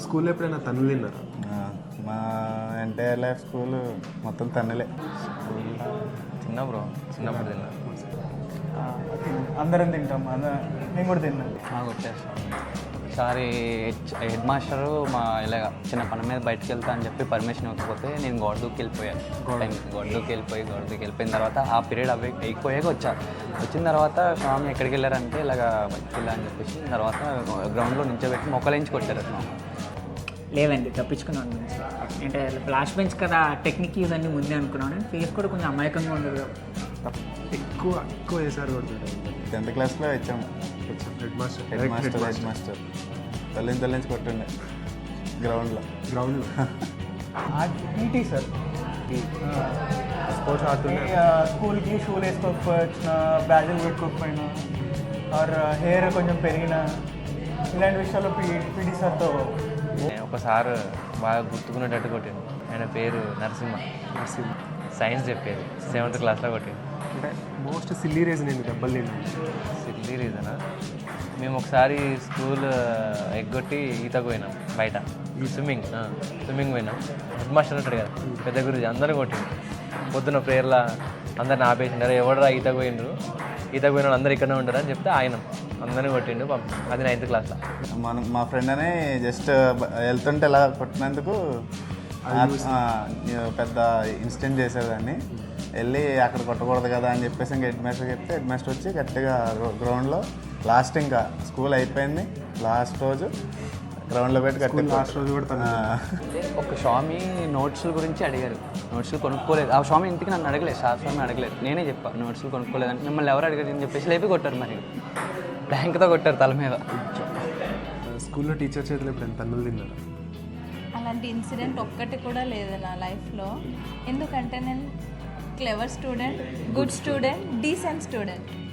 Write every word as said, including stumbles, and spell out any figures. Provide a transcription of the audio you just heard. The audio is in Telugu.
స్కూల్లో ఎప్పుడైనా తన్నులు తిన్నారా? మా ఎంటైర్ లైఫ్ స్కూల్ మొత్తం తన్నులే. చిన్న బ్రో చిన్నప్పుడు తిన్నా. అందరం తింటాం, అందరం నేను కూడా తిన్నాను. కొట్టేస్తాను ఒకసారి హెడ్ మాస్టరు మా ఇలాగ చిన్న పని మీద బయటకు వెళ్తా అని చెప్పి పర్మిషన్ ఇవ్వకపోతే నేను గోడ దూకి వెళ్ళిపోయాను. టైం గోడ దూకి వెళ్ళిపోయి గోడ దూకి వెళ్ళిపోయిన తర్వాత ఆ పీరియడ్ అవి అయిపోయాక వచ్చాను. వచ్చిన తర్వాత స్వామి ఎక్కడికి వెళ్ళారంటే ఇలాగ బయటకు వెళ్ళా అని చెప్పేసి తర్వాత గ్రౌండ్లో నించోబెట్టి మొక్కలేంచి కొట్టారు స్వామి. లేదండి, తప్పించుకున్నాను నుంచి. అంటే ఫ్లాష్ బెంచ్ కదా, టెక్నిక్ యూజ్ అన్నీ ముందే అనుకున్నాను. ఫేస్ కూడా కొంచెం అమాయకంగా ఉండదు. ఎక్కువ ఎక్కువ వేసారు కొడుతుంటారు. టెన్త్ క్లాస్లో వచ్చాము. Head master head master head master తల్లిని తల్లించి కొట్టుండే గ్రౌండ్లో గ్రౌండ్లో ఈటీ సార్, స్పోర్ట్స్ ఆడుతుండే. స్కూల్కి షూలు వేసుకోకపోయినా, బ్యాగులు పెట్టుకోకపోయినా, ఆర్ హెయిర్ కొంచెం పెరిగినా, ఇలాంటి విషయాల్లో పీ పీటీ సార్తో ఒకసారి బాగా గుర్తుకునేటట్టు కొట్టిండు. ఆయన పేరు నరసింహ. నరసింహ సైన్స్ చెప్పేది సెవెంత్ క్లాస్లో కొట్టిండు. అంటే మోస్ట్ సిల్లీ రీజన్ నేను దెబ్బలు తిన్నాను. సిల్లీ రీజనా? మేము ఒకసారి స్కూల్ ఎగ్గొట్టి ఈతకు పోయినాం బయట. ఈ స్విమ్మింగ్ స్విమ్మింగ్ పోయినాం. హెడ్ మాస్టర్ ఉంటాడు కదా, పెద్ద గురించి అందరూ కొట్టిండు. పొద్దున్న ప్రేయర్లా అందరిని ఆపేసిండారు. ఎవడరా ఈతకు పోయిండ్రు, ఈతకు పోయిన వాళ్ళు అందరూ ఇక్కడనే ఉంటారు అని చెప్తే ఆయన అందరినీ కొట్టిండు. అది నైన్త్ క్లాస్లో. మనం మా ఫ్రెండ్ అని జస్ట్ వెళ్తుంటే ఇలా కొట్టినందుకు పెద్ద ఇన్సిడెంట్ చేసేదాన్ని. వెళ్ళి అక్కడ కొట్టకూడదు కదా అని చెప్పేసి ఇంకా హెడ్ మాస్టర్ చెప్తే హెడ్ మాస్టర్ వచ్చి గట్టిగా గ్రౌండ్లో లాస్ట్ ఇంకా స్కూల్ అయిపోయింది లాస్ట్ రోజు గ్రౌండ్లో పెట్టి గట్టి లాస్ట్ రోజు కూడా ఒక స్వామి నోట్స్ల గురించి అడిగారు. నోట్స్లు కొనుక్కోలేదు. ఆ స్వామి ఇంటికి నన్ను అడగలేదు, సార్ స్వామి అడగలేదు. నేనే చెప్పాను నోట్స్లు కొనుక్కోలేదని. మిమ్మల్ని ఎవరు అడిగారు అని చెప్పేసి లేపి కొట్టారు. మరి బ్యాంక్తో కొట్టారు తల మీద. స్కూల్లో టీచర్ చేతులు ఎప్పుడైనా తన్నులు తిన్నారు? అలాంటి ఇన్సిడెంట్ ఒక్కటి కూడా లేదు నా లైఫ్లో. ఎందుకంటే నేను clever student, good student, decent student.